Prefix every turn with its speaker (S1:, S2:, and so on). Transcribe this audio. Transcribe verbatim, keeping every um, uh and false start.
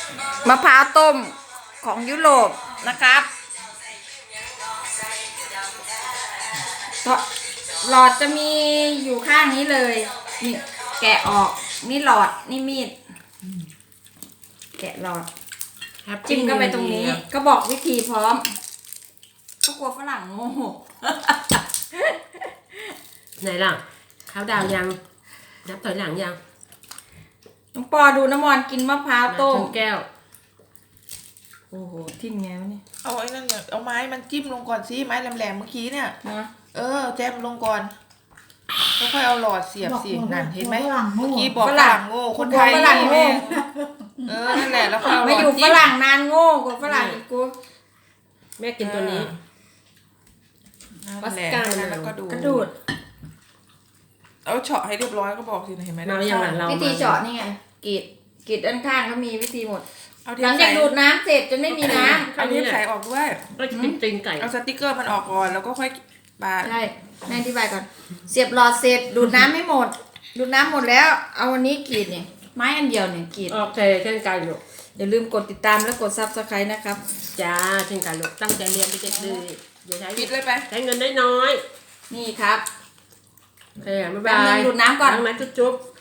S1: มะพร้าวต้มของยุโรปนะครับหลอดจะมีอยู่ข้างนี้เลยนี่แกะออกนี่หลอดนี่มีดแกะหลอดจิ้มก็ไปตรงนี้ก็บอกวิธีพร้อมก็กลัวฝรั่งโง่
S2: ไหนล่ะข้าวดาวยังนับถอยหลังยัง
S1: น้องปอดูน้ำมอนกินมะพร้าวต้ม
S2: แก้ว
S1: โอ้โหทิ่มไงวะเนี่ย
S3: เอาไอ้นั่นอย่างเอาไม้มันจิ้มลงก่อนสิไม้แหลมๆเมื่อกี้เนี่ย
S1: นะ
S3: เออแจมลงก่อนแล้วค่อยเอาหลอดเสียบสินั่นเห็นไหมเมื่อกี้บอกฝรั่งโง่คนไทย
S1: ฝรั่งโง่
S3: เออนั่นแหละแล้วค่อยเอาหลอด
S1: ไม่อยู่ฝรั่งนานโง่กว่าฝรั่งอีกกู
S2: แม่กินตัวนี้
S3: ปัสกาแล้วก็ดู
S1: กระดูด
S3: เอาเฉาะให้เรียบร้อยก็บอกสิเห็นไหม
S2: เราอย่างนั้นเรา
S1: วิธีเจาะนี่ไงกรีดกรีดด้านข้างเขามีวิธีหมดหลังจากดูดน้ำเสร็จจนไม่มีน้ำ
S3: เอาเทปใส่ออกด้วย
S2: ก็กินตีนไก่
S3: เอาสติ๊กเกอร์มันออกก่อนแล้วก็ค่อยปาด
S1: ใช่แม่อธิบายก่อนเสียบหลอดเสร็จดูดน้ำไม่หมดดูดน้ำหมดแล้วเอาวันนี้กรีดเนี่ยไม้อันเดียวเนี่ยกรีด
S2: โอเคเช่นกันลูก
S1: อย่าลืมกดติดตามและกดซับสไครต์นะครับ
S2: จ้าเช่นกันลูกตั้งใจเรียนไปเด็กดีอย่าใช้
S3: ปิดเลยไป
S2: ใช้เงินน้อย
S1: นี่ครับ
S2: โอเคบ๊ายบาย
S1: ดูดน้ำก่อน
S2: ล้างไม้จุ๊บ